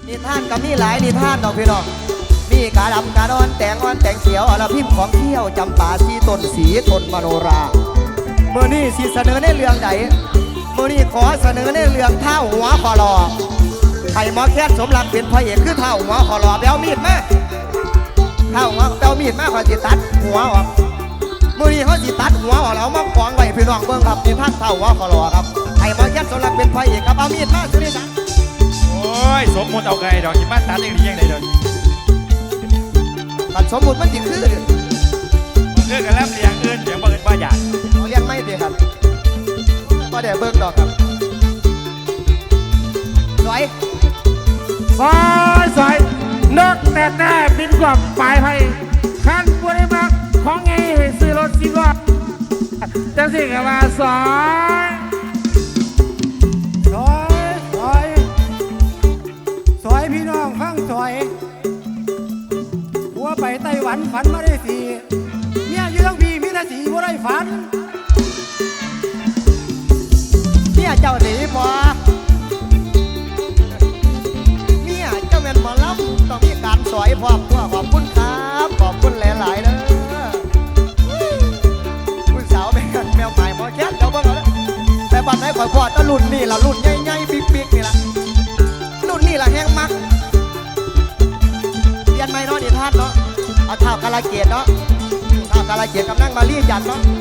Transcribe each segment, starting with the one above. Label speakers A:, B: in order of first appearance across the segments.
A: นิทานก็มีหลายนิทานดอกพี่น้องมีกาดำกาดอนแตงอ่อนแตงเขียวอรพิมพ์ของเที่ยวจำปาสีต้นสีต้นมโนราเมื่อนี้สิเสนอในเรื่องใดเมื่อนี้ขอเสนอในเรื่องเท้าหัวคอรอไผ่หมอแค่สมรักเป็นพระเอกคือเท้าหัวคอรอแบลมีดมาเท้าหัวแบลมีดมาขอจิตัดหัวออกเมื่อนี้เขาจิตัดหัวออกแล้วมาขวางไว้พี่น้องเบิ่งครับนิทานเท้าหัวคอรอครับไผ่หมอแค่สมรักเป็นพระเอกครับเอามีดมาสุริศักดิ์
B: โอ้ยสมมติเอาไงดอกหิมะตัดอย่างนี้ยังไงเลย
A: ตัดสมมุติมันจิคือ
B: มันคือกันแล้วเลี้ยงอื่นเลี้ยงบ่อื่นบ่อยาก
A: เอาเลี้ยงไม่ดีครับก็เดี๋ยวเบิ่งดอกครับสวย
C: สอยนกแต่แต่บินกว่าปลายไผ่ขันบริมาของไงให้ซื้อรถ10 ล้อจังสิกับว่าส
D: อยพี่น้องฟังสอยหัวไปไต้หวันฝันมาได้สีเนี่ยอยู่ทั้งพี่มีแต่สีบ่ได้ฝัน
A: เนี่ยเจ้าหนีบ่เนี่ยเจ้าแม่นหมอลำต้องมีการสอยพร้อมตัวขอบคุณครับขอบคุณหลายๆเด้อคุณสาวเป็นแมวใหม่หมอแคทเดี๋ยวเบิ่งเอาเด้อแต่บัดไหนข่อยพอดตะรุ่นนี่ล่ะรุ่นใหญ่ๆปิ๊กๆนี่ล่ะรุ่นนี่ล่ะแห้งมักเรียนไม่เนาะนิทานเนาะเอาเท้ากาลเกตเนาะเท้ากาลเกตกับนั่งมาลีจันเนาะ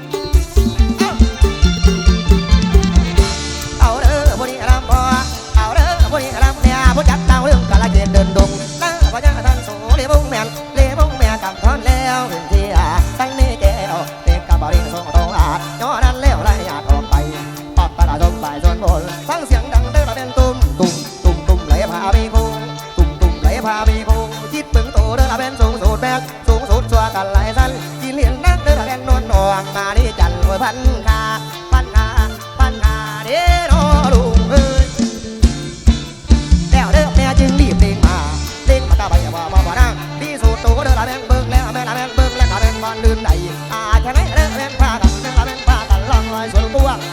A: เอาเด้อพวกนี้รำพอเอาเด้อพวกนี้รำเนี่ยพวกจัดดาวเรื่องกาลเกตเดินดงน้าพญาท่านสูเลบุ้งแม่เลบุ้งแม่กับทอนแล้วเห็นที่ตั้งนี้แก้วเด็กกับบริสุทธิ์ตรงย้อนนั้นแล้วไรอยากออกไปปอดตาดมฝ่ายส่วนบนฟังเสียงดังเด้อเป็นตุ้มไหลพาไปคูไหลพาไปคูจิตปึงโตเด้อเป็นสูงสุดแบกสูงสุดชัวกันไหลสั้นกินเลี้ยงนักเด้อเป็นนวลนวงมาดิจันทร์พันคาเด้อลุงเอ้ยแล้วเด้อแม่จึงรีบเด้งมาตาใบว่านั่งที่สุดโตเด้อละแบงเบิ้งแล้วแม่ละแบงเบิ้งแล้วละแบงบอลลื่นไหลแค่ไหนเด้อแบงพากันละแบงพากันลองลอยสวนกวาง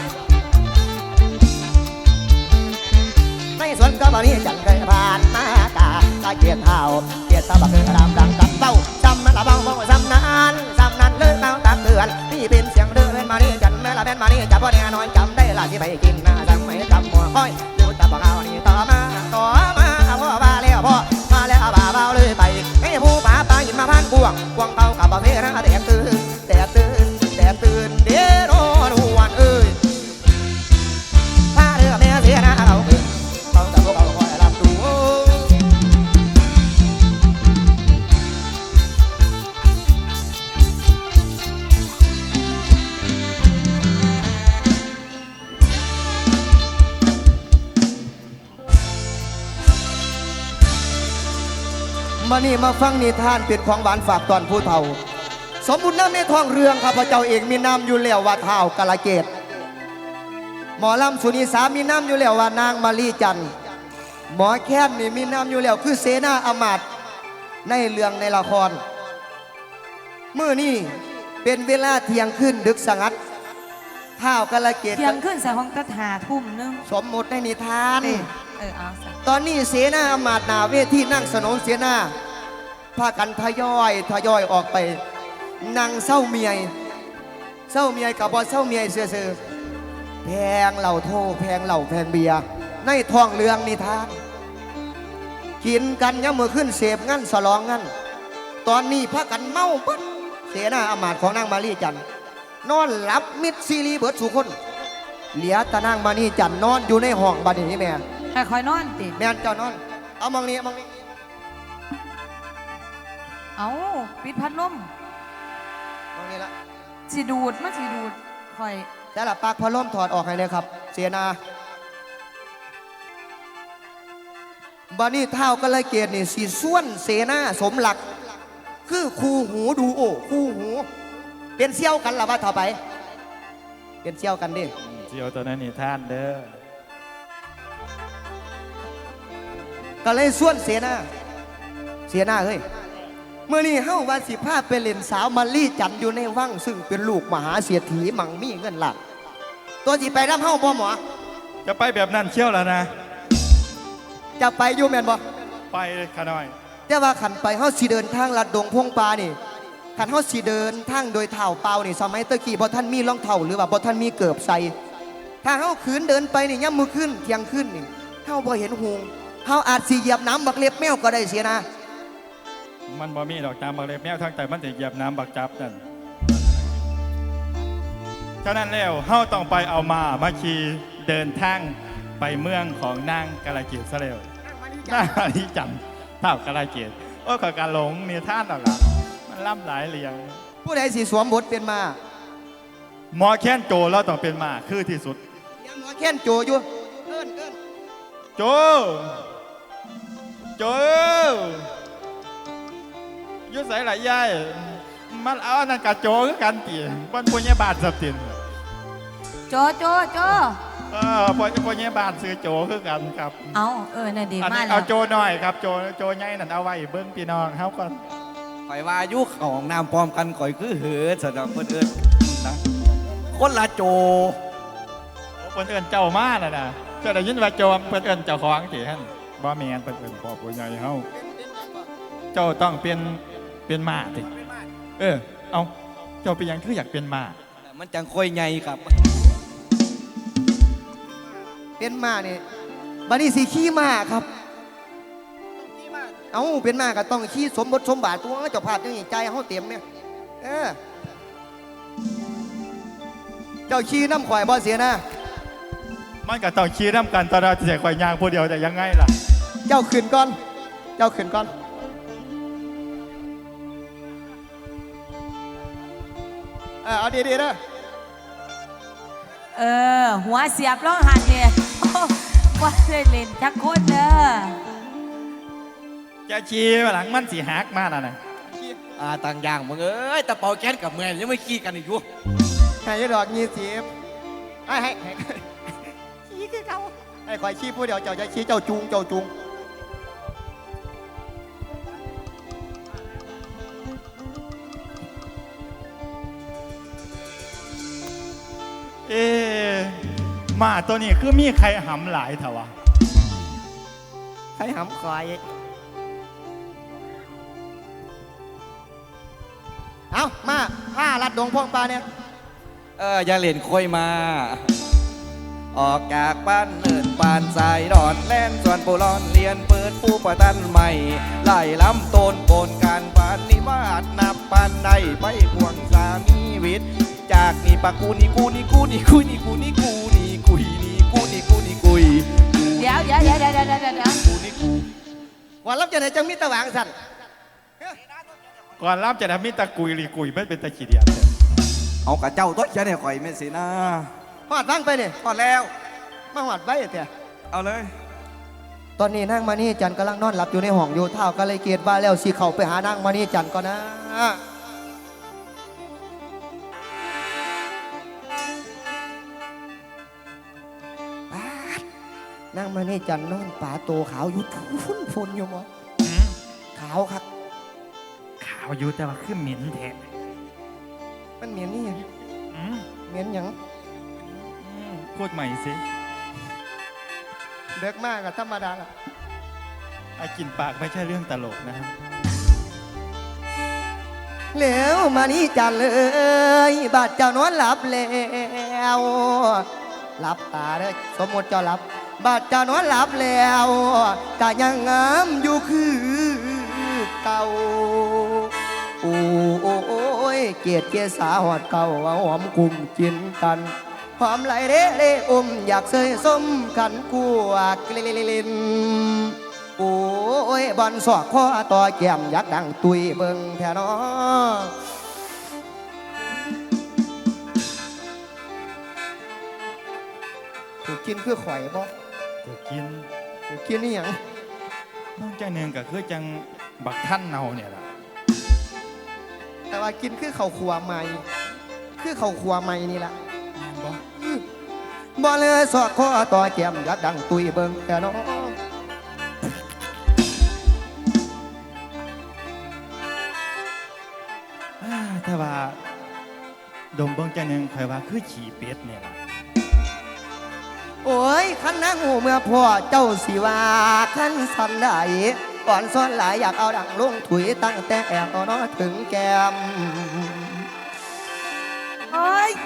A: ในสวนก็บ่นี้จันเคยผ่านมากาเกียรติเท้าเกียรติตาบักคือรำดังกับเต้าจำมันละบ้องบ้องจำนั้นเลิกเต้าตักเตือนนี่เป็นเสียงเดินมานี่จันแม่ละแบงมานี่จับพ่อแน่นอนจำได้ละที่ไปกินหน้าจังไม่จำหัวค่อยดูจับเอานี่ต่อมาพ่อมาแล้วพ่อมาแล้วบ่าเบาเลยไปให้ผู้ป่าปลาหินมาพันบ่วงเต้ากับประเภทนะแต่ตื่นเดี๋ยวรวนเอ้ยถ้าเรือแม่เสียนะเราเกิดต้องจับพวกเราคอยรับดูมานี่มาฟังนิทานเป็นของหวานฝากตอนผู้เฒ่าสมบุญน้ำในท้องเรืองข้าพเจ้าเองมีน้ำอยู่แล้วว่าเท้ากาลเกตหมอลำสุนีสามีน้ำอยู่แล้วว่านางมาลีจันหมอแค้นนี่มีน้ำอยู่แล้วคือเสนาอมาตย์ในเรื่องในละครเมื่อนี่เป็นเวลาเที่ยงขึ้นดึกสงัดเท้ากาลเกต
E: เที่ยงขึ้นใส่ห้องตะหาทุ่มนึง
A: สมมติในนิทาน
E: เอาซะ
A: ตอนนี้เสนาอมาตย์หนาเวทีนั่งสนนเสนาพากันทยอยออกไปนั่งเศร้าเมียกับบอเศร้าเมียเสือแพงเหล่าโทแพงเหล่าแพงเบียร์ในท้องเรืองนิทานกินกันยังมือขึ้นเสพงั้นสลองงั้นตอนนี้พากันเมาปึ๊ดเสนาอมาตย์ของนางมาลีจันนอนหลับมิดซีรีเบิดสุคนเหลียตะนางมาลีจันนอนอยู่ในห้องบัดนี้แม่
E: ให้คอยนอนติ
A: แม่เจ้านอนเอามองนี้
E: เอาปิดพัดลม
A: มองนี้ละ
E: สิดูดคอย
A: แต่ละปากพัดลมถอดออกให้เลยครับเสียนาบานี่เท้าก็เลยเกตนี่สีส่วนเสนาสมหลักคือคู่หูดูโอคู่หูเป็นเซี่ยวกันละว่าต่อไปเป็นเซี่ยวกันดิ
B: เจียวตัวนั้นนี่ท่านเด้อ
A: ก็เลยส่วนเสนาเฮ้ยเมื่อนี้เฮ้าวัน15ไปเล่นสาวมาลีจันอยู่ในวังซึ่งเป็นลูกมหาเศรษฐีมั่งมีเงินหลักตัวสิไปรับเฮ้าบ่หมอ
B: จะไปแบบนั้นเชี่ยวแล้วนะ
A: จะไปอยู่แม่นบ่
B: ไปขาน้อย
A: แต่ว่าขันไปเฮาสิเดินทางลัดดงพงป่านี่ขันเฮาสิเดินทางโดยเท้าเปล่านี่สมัยตะกี้บ่ท่านมีรองเท้าหรือว่าบ่ท่านมีเกือบใส่ถ้าเฮาขืนเดินไปนี่ย่ำมือขึ้นเที่ยงขึ้นนี่เฮาบ่เห็นหงเฮาอาจสิเหยียบน้ำบักเล็บแมวก็ได้เสียนะ
B: มันบ่มีดอกจามบักเล็บแมวทั้งแต่มันจะเหยียบน้ำบักจับนั่นฉะนั้นแล้วเฮาต้องไปเอามาขี่เดินทางไปเมืองของนางกาลเกตซะแล้วนางมานิจันเท่ากาลเกตโอ้ยขอการหลงนี่ท่านหรอกล่ะมันล่ำหลายเรียง
A: ผู้ใดสิสวมบทเป็นมา
B: หมอแค้นโจเราต้องเป็นมาคือที่สุด
A: ยังหมอแค้นโจอยู่เอิ้น
B: โจ โจยุ่ใส่หลายยายมันเอาอันนั้นกับโจคือกันตีบนปุญญาบาทสับติน
E: โจโจโจ
B: ปุญญาบาทซื้อโจคือกันครับ
E: เอาน่ะดี
B: อัน
E: มา
B: นี้
E: กแล้
B: เอา
E: ว
B: โจหน่อยครับโจใหญ่นั่นเอาไว้เบิ้งพี่น้องเขาก่อน
F: ข่อยว่ายุคของน้ำปลอมกันข่อยคือเหือสำหรับคนอื่นนะคนละโจ
B: เพิ่นเอิ้นเจ้ามาน่ะนะเจ้าได้ยินว่าโจเพิ่นเอิ้นเจ้าของสิฮั่นบ่แม่นเพิ่นเอิ้นพ่อผู้ใหญ่เฮาเจ้าต้องเป็นม้าติเอาเจ้าเป็นหยังคืออยากเป็นม้า
F: มันจังค่อยใหญ่ครับ
A: เป็นมานี่บัดนี้สิขี่ม้าครับเอ้าเป็นม้าก็ต้องขี่สมบทสมบาทตัวเจ้าภาพจังสิใจเฮาเต็มเนี่ยเจ้าขี่น้ำข่อยบ่เสียนะ
B: มันก็ต้องขี่น้ำกันตลอดเสียข่อยย่างผู้เดียวแต่ยังไงล่ะ
A: เจ้าขึ้นก่อนเจ้าขึ้นก่อนเอาดีๆนะ
E: หัวเสียบร้องหันเนี่ยโอ้ว่าได้เล่นจักคนเด้อ
B: จะขี่มาหลังมันสิหักมาน่ะนะ
F: ต่างอย่างมึงเอ้ยแต่เป่าแก๊สกับเมืองยังไม่ขี้กันอีกอยู่
A: ให้ดอก20ให้ขี่คือเขาให้ข่อยขี่ผู้เดียวเจ้าจะขี่เจ้าจูง
B: มาตัวนี้คือมีใครหำหลายเถอะวะ
A: ให้หำข่อยเอามาผ้าลัดดงพงปลาเนี่ย
F: อย่าเล่นค่อยมา ออกจากบ้านเนินปานสายดอนแล่นส่วนปูร้อนเรียนเปิดผู้ประตันใหม่ไล่ล้ำต้นโกนการปานนิวาสนับปานใดไปควงสามีวิทย์จากนี่ปะกูนี่กูนี่กูนี่กูนี่กูนี่กูนี่กุยนี่กูนี่กูนี่กุย
E: เดี๋ยว
F: กูนี่กู
A: วันรับจะไหนจังมิตรหวางสั่น
B: ก่อนรับจะทำมิตรกุยหรือกุยไม่เป็นตะขีเดียด
F: เอากระเจ้าตัวเขียนให้ข่อยแม่นสินะ
A: หอดฟังไปเนี่ย
F: พอแล้ว
A: มาหอดไว้เถอะ
F: เอาเลย
A: ตอนนี้นางมานี่จันกำลังนอนหลับอยู่ในห้องอยู่เท่าก็เลยเกียดว่าแล้วสิเข้าไปหานางมานี่จันก่อนนะนางมานี่จันนอนป่าโตขาวอยู่ฟุ้นอยู่มั้งขาวครับ
B: ข่าวอยู่แต่ว่าคือเหม็นแท้
A: มันเหม็นนี่ยัง
B: อืม
A: เหม็นหยัง
B: พูดใหม่สิ
A: เด็กมากกับธรรมดาละ
B: ไอ้กินปากไม่ใช่เรื่องตลกนะครับ
A: แล้วมานี่จันเลยบาดเจ้านอนหลับแล้วหลับตาเด้อสมมติเจ้าหลับบาดเจ้านอนหลับแล้วแต่ยังงามอยู่คือเก่าโอ้ยเกียรติเกษาหอดเก่าเอาหอมกลุ่มกินกันหอมไหลเร่อยากเสยส้มขันกัวกลินโอ้ยบอลสอกข้อต่อแก้มอยากดังตุยเบิ่งแท่นอถูกกินคือข่อยบ่
B: จะกิน
A: ถูกกินนี่หยัง
B: น้องใจหนึ่งก็คือจังบักท่านเนาเนี่ยล่ะ
A: แต่ว่ากินคือข้าวขัวใหม่คือข้าวขัวใหม่นี่ล่ะ
B: แม่นบ่
A: บ่เลยสอกข้อต่อแก้มอยากดังตุยเบิ่งแท่นอ
B: ถ้าว่าดมเบิ่งใจหนึ่งคอยว่าคือฉี่เป็ดเนี่ยล่ะ
A: โโอ้ยขันนางหูเมื่อพ่อเจ้าสิว่าขันสันได้ก่อนซ้อนหลายอยากเอาดังลงถุยตั้งแต่แอบนอถึงแก้ม
E: โอ้ย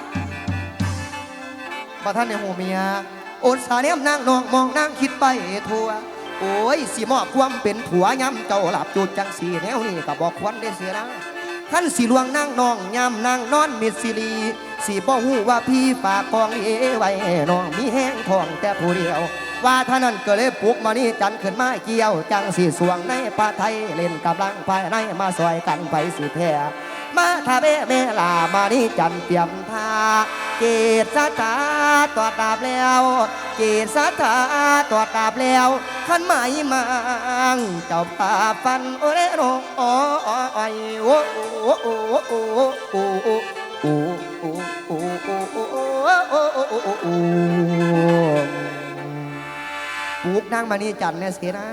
A: บ่ท่านในหูเมียโอดสาเนมนางนองมองนางคิดไปทั่วโอ้ยสิมอบความเป็นผัวย้ำเจ้าหลับจุดจังสีแนวนี่ก็บอกควรได้เสียนะขันสิลวงนางนองย้ำนางนอนมิดสิรีสิบ่หูว่าพี่ฝากกองเอไว้น้องมีแห้งทองแต่ผู้เดียวว่าท่านั้นก็เลยปลุกมานี่จันขึ้นมาเกี่ยวจังสีสวงในป่าไทยเล่นกำลังภายในมาซอยกันไปสิแพ้มาทาเบเมลามานี่จันเตรียมท่าเกศสถาตรวจดาบแล้วเกศสถาตรวจดาบแล้วขันไม้มังเจ้าป่าฟันโอเรโนโอ้ไอโอ้โอ้โอ้โอ้โอ้โอ้โอ้โอ้โอ้โอ้โอ้โอ้โอ้ปลูกนางมานี่จันเนี่ยเสียนะ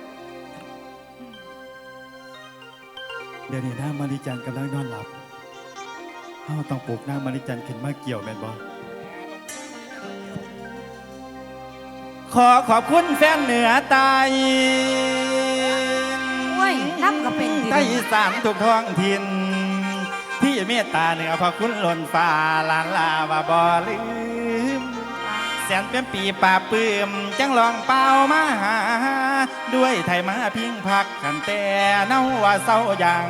B: เดี๋ยวนี้นางมาริจันกำลังนอนหลับเฮาต้องปลุกนางมาริจันขึ้นมาเกี่ยวแม่นบ่ขอขอบคุณแฟนเหนือใต้
E: โอ้ยน้ำก็เป็นดิ
B: ใต้อีสานทุกท้องถิ่นที่เมตตาเหนือพระคุณล้นฟ้าลานลาว่าบ่ลืมแสนเป็นปีป่าปื้มจังลองเป่ามาหาด้วยไทยมาพิงพักกันแต่เนาว่าเศร้ายัง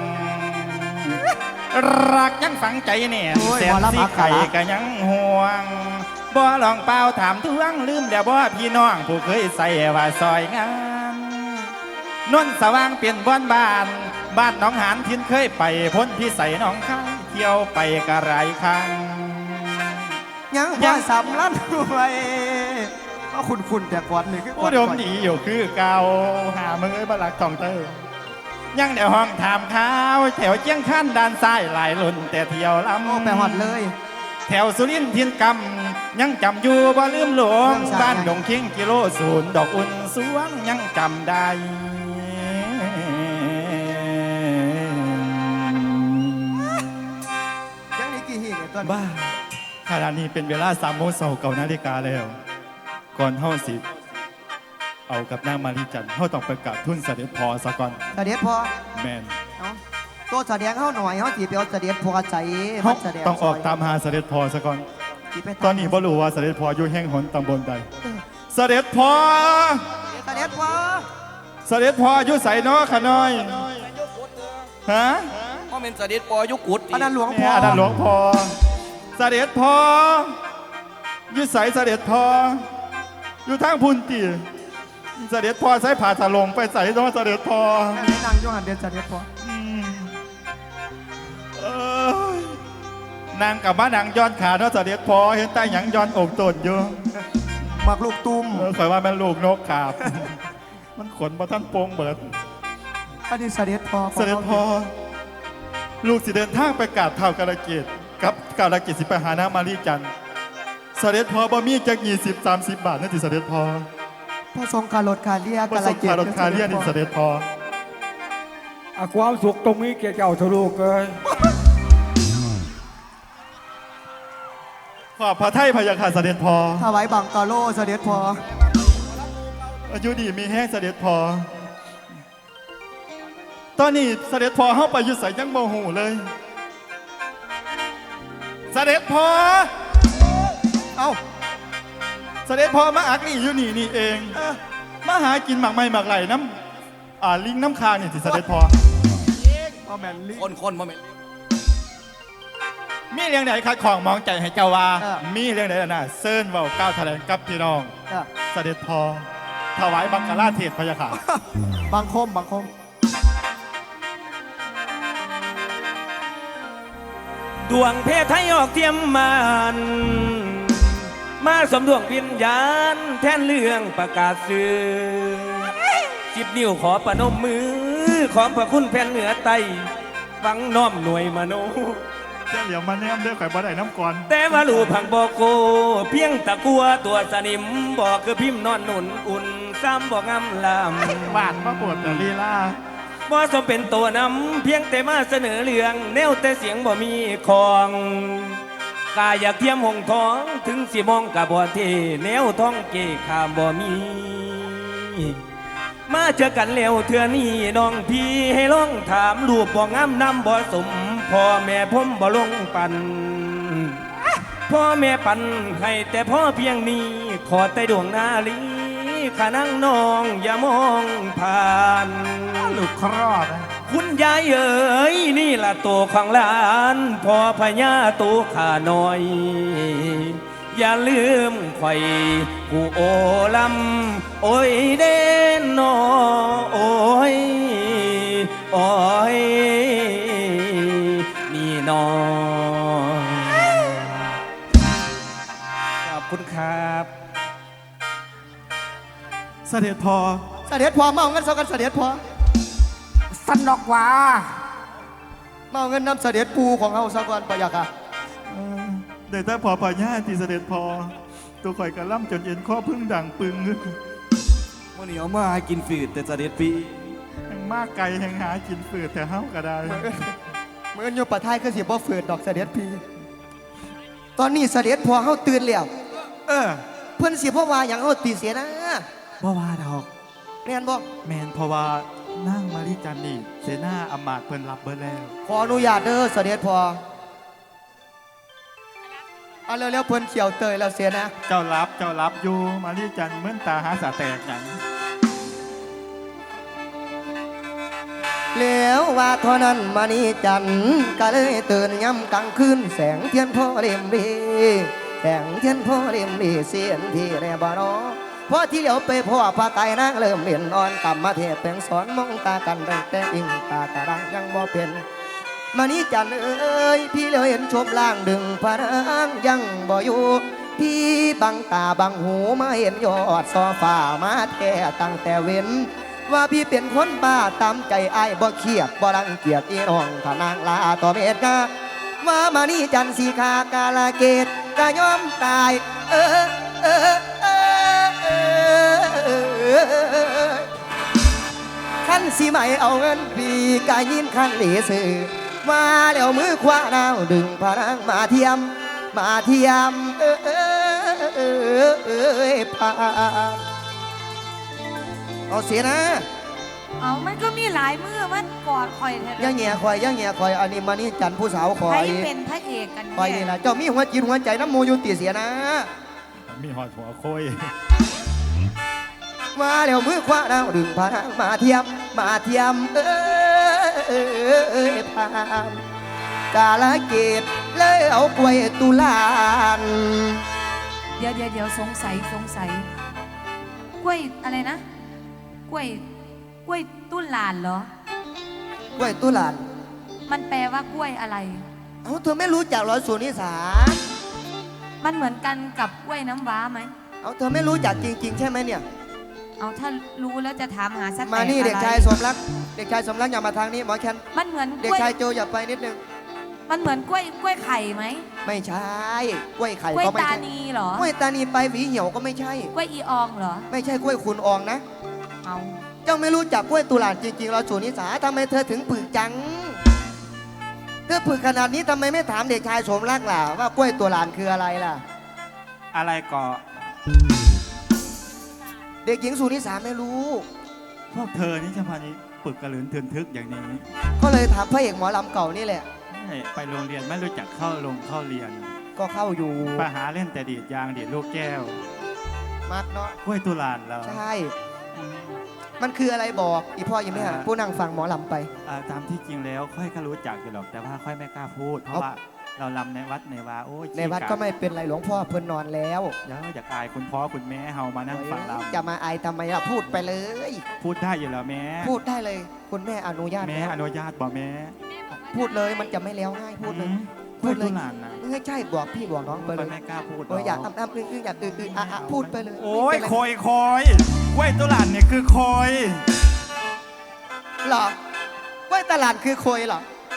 B: รักยังฝังใจเนี่ยแสนสิไข่ก็ยังห่วงบ่ลองเป่าถามทวงลืมแล้วบ่พี่น้องผู้เคยใส่ว่าซอยงานนนสว่างเปลี่ยนบ้านบ้านหนองหานทินเคยไปพ้นพี่ใส่หนองข้างเที่ยวไปกะไรครั้ง
A: ยังพอสำลันด้วยก็คุณแต่ก่อนนี่คือ
B: อุดมดีอยู่คือเก่าหามึงเอ้ยบลักทองเตอร์ยังเดี๋ยวห้องถามข้าวแถวเจียงขั้นด้านซ้ายหลายลุ่นแต่เที่ยวลำ
A: โอ้ไปหอดเลย
B: แถวสุรินทร์เทียนกำยังจำอยู่บ่ลืมหลวงบ้านดงเคียงกิโลศูนย์ดอกอุ่นสวงยังจำได้
A: ยังนี่กี่หิ่งไอ้ต้น
B: บ้าขณะนี้เป็นเวลา3 โมง9 นาฬิกาแล้ว ก่อนเฮาสิเอากับนางมารีจันทร์เฮาต้องประกาศทุนเสด็จพอซะก่อน
A: เสด็จพอ
B: แมน
A: เอาตัวแสดงเข้าหน่อยเขาจีไปเอาเสด็จพอใจ
B: เฮา
A: แสดง
B: ต้องออกตามหาเสด็จพอซะก่อน
A: จีไป
B: ตอนนี้บ่รู้ว่าเสด็จพออยู่แห่งหนตำบลใดเสด็จพอ
A: เสด็จพอ
B: เสด็จพออยู่ไสน้อขะน้อยฮะ
F: พ่อเป็นเสด็จปอยุกุด
A: อันนั้นหลวง
B: แม่
A: พ่อ
B: อันนั้นหลวงพ่อเสด็จพออยู่ไสเสด็จพออยู่ทางพุ่นติเสด็จพอใส่ผ้าสลงไปใส่น้อเสด็จพอ
A: แม่นางโยหันเดนเสด็จพอ
B: เอ้ยนางกับบ้านนางย้อนขาเนาะเสด็จพอเห็นแต่หยังย้อนอกตนอยู่
A: มักลูกตุ้ม
B: ข่อยว่ามันลูกนกขาบ มันขนมาท่านโปงเบิด
A: อันนี้เสด็จพอ
B: เสด็จพอลูกสิเดินทางไปกราบเท้ากาลเกตกับกาลเกตสิไปหานางมารีจันทร์เสด็จพอบ่มีจัก20-30 บาทนั่นสิเสด็จพอ
A: พระทรงคารถคาเรีย
B: ประสบคารถคาเรียนนี่เสด็จพอ
C: ความสุขตรงนี้แกเจ้าทะลุเลย
B: ขอบพระไทยพยาค่ะเสด็จพอ
A: ถวายบังกาโลเสด็จพอ
B: อายุดีมีแห้งเสด็จพอ ตอนนี้เสด็จพอเข้าไปอยู่ใส่ยังโมโหเลย เสด็จพอ เอ้า เสด็จพอมาอักนี่อยู่นี่เองมาหากินหมากไม้หมากไหลน้ำลิงน้ำคางนี่สิเสด็จพอ
A: พ่อแมนลิ
F: คนมาเม็น
B: มีเรื่องไหนคัดของมองใจให้เจ้าว่า มีเรื่องไหนน่ะเซิร์นเว้าก้าวแถลงกับพี่น้อง เสด็จพอถวายบังกลาเทศพยาค่ะ
A: บังคมบังคม
G: ดวงเพศไทยออกเทียมมันมาสมดวงวิญญาณแทนเรื่องประกาศสื่อ10 นิ้วขอประนมมือขอพระคุณแผ่นเหนือไตฟังน้อมหน่วยมโน
B: เจ้าเหลียวมาแนมเด้อข่อยบ่ได้น้ำก่อน
G: แต่ว่าลูพังบอกโก เพียงตะกัวตัวสนิมบอกคือพิมพ์นอนหนุนอุ่นซ้ำบอกงำลำ
B: บาดมาปวดแต่ลีลา
G: บ่สมเป็นตัวนำเพียงแต่มาเสนอเรื่องแนวแต่เสียงบ่มีของกายอยากเทียมหงทองถึงสิมองกับบ่เทแนวท้องเกขามบ่มี มาเจอกันเร็วเทื่อนี้น้องพี่ให้ลองถามรูปบ่งามนำบ่สมพ่อแม่ผมบ่ลงปันพ่อแม่ปันให้แต่พ่อเพียงนี้ขอแต่ดวงนาลีขานั่งน้องอย่ามองผ่าน
B: ลูกครอบนะ
G: คุณยายเอ๋ยนี่ละตัวของหลานพ่อพญาตัวข้าน้อย อย่าลืมไข่ผู้โอลำโอ้ยเด่นนอโอ้ยโอ้ยนี่นอขอบคุณครับ
B: เสด็จพ่อ
A: เสด็จพอเมาเงินเสกันเสด็จพอ
C: สนอกว่า
A: เมาเงินนำเสด็จปูของเฮาซะก่อนปะยะค่ะ
B: เดี๋ยวถ้าพอพญาที่เสด็จพอตัวข่อยกระล่ำจนเอ็นข้อพึ่งดังปึง
F: มื่อนี้เอามาให้กินฝืดแต่เสด็จพี่
B: แห่งมากไกลแห่งหากินฝืดแต่เฮาก็ได้
A: เมื่ออยู่ปะท้ายคือสิบ่ฝืนดอกเสด็จพี่ตอนนี้เสด็จพอเฮาตื่นแล้ว
B: เออ
A: เพิ่นสิบ่ว่าหยังเฮาตีเสียนะ
B: บ่ว่าดอก
A: แม่นบ่
B: แมนเพราะว่านั่งมาริจันนี่เสนาอำมาตย์เพิ่นรับเบิดแล้ว
A: ขออนุญาตเด้อเสด็จพอเอาเร็วๆเพิ่นเขียวเตยแล้วเสียนะ
B: เจ้ารับอยู่มาริจันเหมือนตาหาสาแตกหยัง
A: แล้วว่าเท่านั้นมานี่จันทร์ก็เลยตื่นย้ำกลางคืนแสงเทียนพ่อเล่มดีแสงเทียนพ่อเล่มดีเสียนที่แรบ่นอพอที่เหลียวไปพ่อพาไก่นางเริ่มเรียนนอนกลับมาเทศแปลงสอนมองตากันตั้งแต่อิงตากระดังยังบ่เป็นมานี่จันทร์เอ้ยพี่เหลียวเห็นชมล่างดึงพระนางยังบ่อยู่พี่บังตาบังหูมาเห็นยอดซอฟ้ามาแท้ตั้งแต่เว้นว่าพี่เป็นคนบ้าตามใจอ้ายบ่เครียดบ่รังเกียจอีน้องถ้านางลาต่อเมตกาว่ามานี่จันทร์สีขากาลเกตกะยอมตายขั้นสิไม่เอาเงินพี่กะยินขั้นเหลือสื่อมาแล้วมือคว้าดาวดึงพระนางมาเทียมพาเอาเสียนะ
E: เอามันก็มีหลายมือมันกอดคอยเถ
A: ย่า
E: อะ
A: แง่คอยย่าแง่คอยอันนี้มานี่จันทร์ผู้สาวคอ
E: ใคร
A: ย
E: เป็นพระเอกกัน
A: คอยนี่
E: แน่
A: ล่ะเจ้ามีหัวจิตหัวใจน้ำมูอยู่ตีเสียนะ
B: มีหอดหัวโคย
A: มาแล้วมือคว้าดาวดึงพระนางมาเทียมพามกาลเกตเลยเอากล้วยตุลาน
E: เดี๋ยวสงสัยกล้วยอะไรนะกล้วยตุ้นลานเหรอก
A: ล้วยตุลาน
E: มันแปลว่ากล้วยอะไร
A: เอาเธอไม่รู้จักเหรอสุนิสา
E: มันเหมือนกันกับกล้วยน้ำว้าไหม
A: เอาเธอไม่รู้จักจริงๆใช่ไหมเนี่ย
E: เอาถ้ารู้แล้วจะถามหาสัก
A: มานี่
E: แต่
A: เด็ก
E: อะไร
A: ชายสมรักอย่ามาทางนี้หมอแคน
E: มันเหมือนก
A: เด็ก
E: ล้วย
A: ชายโจอย่าไปนิดนึง
E: มันเหมือนกล้วยไข่ไหม
A: ไม่ใช่กล้วยไข่
E: กล้วย
A: ก็ไม่
E: ตา
A: ใช่
E: นีเหรอก
A: ล้วยตานีไปหวีเหี่ยวก็ไม่ใช่
E: กล้วยอีอองเหรอ
A: ไม่ใช่กล้วยคุณอองนะ
E: เอา
A: เจ้าไม่รู้จักกล้วยตุลานจริงๆเราสุนิสาทำไมเธอถึงปึกจังเธอปึกขนาดนี้ทำไมไม่ถามเด็กชายสมรักล่ะว่ากล้วยตุลานคืออะไรล่ะ
B: อะไรก่อ
A: เด็กหญิงสุนิสาไม่รู้
B: พวกเธอนี่จะพานี้ปึกกระหลืนเทือนทึกอย่างนี้
A: ก็เลยถามพระเอกหมอลำเก่านี่แหละ
B: ไปโรงเรียนไม่รู้จักเข้าเรียน
A: ก็เข้าอยู่
B: ไปหาเล่นแต่ดีดยางดีดลูกแก้ว
A: มักเนาะ
B: กล้วยตุลานเรา
A: ใช่ มันคืออะไรบอกอีพ่อยังไม่หาผู้นั่งฟังหมอลำไป
B: ตามที่จริงแล้วค่อยก็รู้จักอยู่หรอกแต่ว่าค่อยไม่กล้าพูด เพราะว่าเราลำในวัดในวาโอ้ย
A: ในวัดก็ไม่เป็นไรหลวงพ่อเพิ่นนอนแล้ว
B: อยากอายคุณพ่อคุณแม่เฮามานั่งฟังเรา
A: จะมาอายทำไมล่ะพูดไปเลย
B: พูดได้อยู่แล้วแม่
A: พูดได้เลย คุณแม่อนุญาต
B: แม่
A: แล้ว
B: อนุญาตบอกแม่
A: พูดเลยมันจะไม่แล้วง่ายพูดเลย
B: กล้วยตุลานนะ
A: ไม่ใช่บอกพี่บอกน้องไปเลย
B: ไม่กล้าพูด
A: โอ้ยอยากอ้ำอยากพูดไปเลย
B: โอ้ย
A: ไม่
B: ค
A: เป็นไร
B: อยกล้วยตุลานเนี่ยคือคอย
A: เหรอว่าตลาดคือโคยเหรอ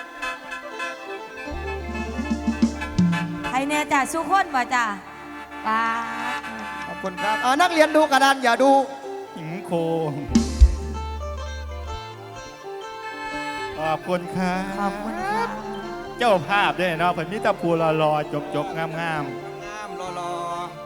E: ใครแน่จ่าสุคนบ่จ่าป้า
A: ขอบคุณครับนักเรียนดูกระดานอย่าดู
B: หิงโคขอบคุณครับ
E: ขอบคุณค่ะ
B: เจ้าภาพด้วยเนาะเพิ่นมีแต่ผู้รอๆจบๆงาม
F: งามรอ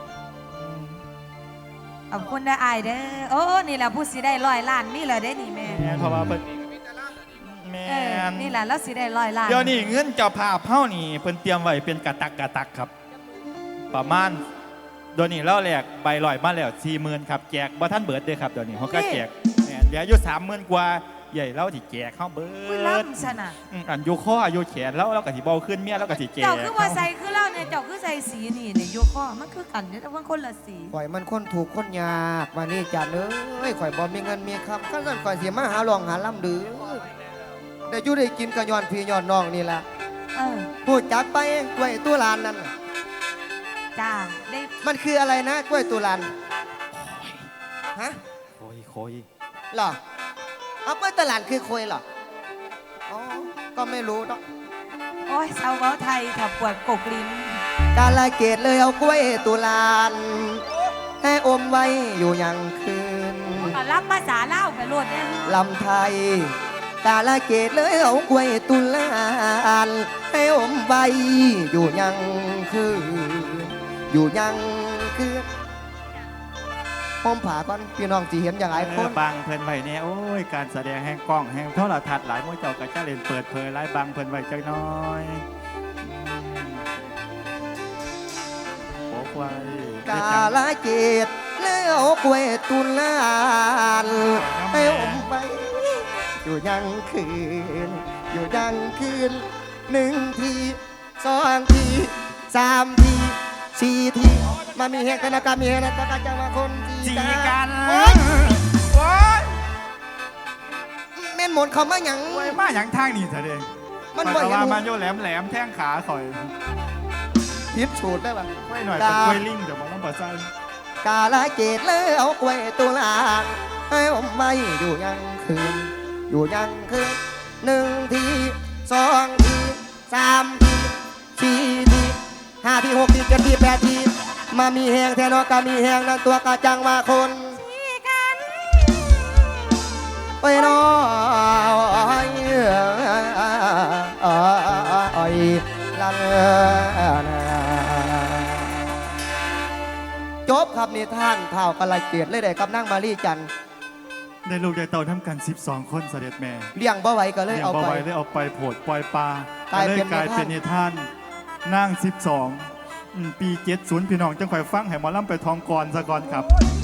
E: ขอบคุณได้อายเด้อโอ้นี่แหละผู้สิได้100 ล้านนี่แหละได้นี่แม่
B: ๆแม่นเพราะว่าเพิ่นแม่
E: เออน นี่แหละแล้วสิได้100 ล้าน
B: เดี๋ยวนี้เงินเจ้าภาพเฮานี่เพิ่นเตรียมไว้เป็นกะตักครับ ประมาณเดี๋ยวนี้เราแลกใบลอยมาแล้ว 40,000 ครับแจกบ่ทันเบิดเด้อครับเดี๋ยวนี้เฮาก็แจกแม่นเหลืออยู่ 30,000 กว่าใหญ่เราที่แจกเฮาเบิ
E: อุ้ย
B: ด
E: ล้ำซะนะ
B: อันอยู่คออยู่แขนแล้วเราก็สิเบาขึ้นเมียเราก็สิแจก
E: เจ้าคือว่าใส่คือเล่าเนี่ยเจ้าคือใส่สีนี่เนี่ยโยข้อมันคือกันเนี่ยแต่ว่าคนละสี
A: ข่อยมันคนถูกคนยากมานี่จัดเอ้ยข่อยบ่มีเงินมีคำขั้นนั้นข่อยเสียมาหาลองหาลำดื้อได้อยู่ได้กินกะย้อนพี่ย้อนน้องนี่ล่ะ
E: เออ
A: พูดจักไปกล้วยตุลานนั่น
E: จ้าได้
A: มันคืออะไรนะกล้วยตุลานฮะ
B: โคย
A: เหรอเอากล้วยตุลานคือโคยเหรออ๋อก็ไม่รู้เนาะ
E: โอ้ยชาวเว้าไทยถ้าปวดกกลิ้น
A: กาลเกตเลยเอากล้วยตุลานให้อมไว้อยู่ยังคืน
E: ก็รับภาษาเล่าวไปโลดเนี่ย
A: ลำไทย กาลเกตเลยเอากล้วยตุลานให้อมไว้อยู่ยังคืนอยู่ยังคืนผมผ่าก่อนพี่น้องจีเห็นอย่างไรคน
B: บังเพิ่นไว้เนี่ยโอ้ยการแสดงแห่งกล้องแห่งโทรทัศน์หลายมื้อเจ้าก็จะเล่นเปิดเผยหลายบังเพิ่นไว้จักหน้อยโอ้ควาย
A: กาลเกตเลยเอากล้วยตุลานให้อมไว้อยู่ยังคืนอยู่ยังคืน1 ที2 ที3 ที4 ทีมามีเหตุการณ์มีเหตุการณ์จะมาคนจีกันโอ๊ย
B: โอ้ย
A: แม่นหมนเขามาหยัง
B: โอ้ยมาหยังทางนี่เถอะเด้
A: มัน
B: บ่
A: บ่
B: เห็
A: เห็
B: น
A: น
B: มาโยแหลมแท่งขาข่อย
A: พิษสูตรได้ปะ
B: ไว้หน่อยเป็นกล้วยลิงเดี๋ยวบ่ต้องบ่ใส่
A: กาลเกตเลยเอากล้วยตุลานให้อมไว้อยู่ยังคืนอยู่ยังคืน1 ที2 ที3 ที4 ที5 ที 6 ที7 ที 8 ทีมามีแหงแทนอกามีแหงนั่นตัวกาจังว่าคนไปน้อยลันจบครับนิทานเท่ากะไรเกียรติเลยได้กับนั่งมารีจันทร์
B: ได้ลูกได้เต่าทำกัน12 คนเสด็จแม่
A: เลี้ยงบ่ไหวก็เลย
B: เลี้ยง
A: เอา
B: บ่
A: ไป
B: ไหวได้เอาไปโผดปล่อยปลาก
A: ลายเป็น
B: กลายเป็นนิทานนั่ง12ปี70พี่น้องจังข่อยฟังให้หมอลำไปทองกรซะก่อนครับ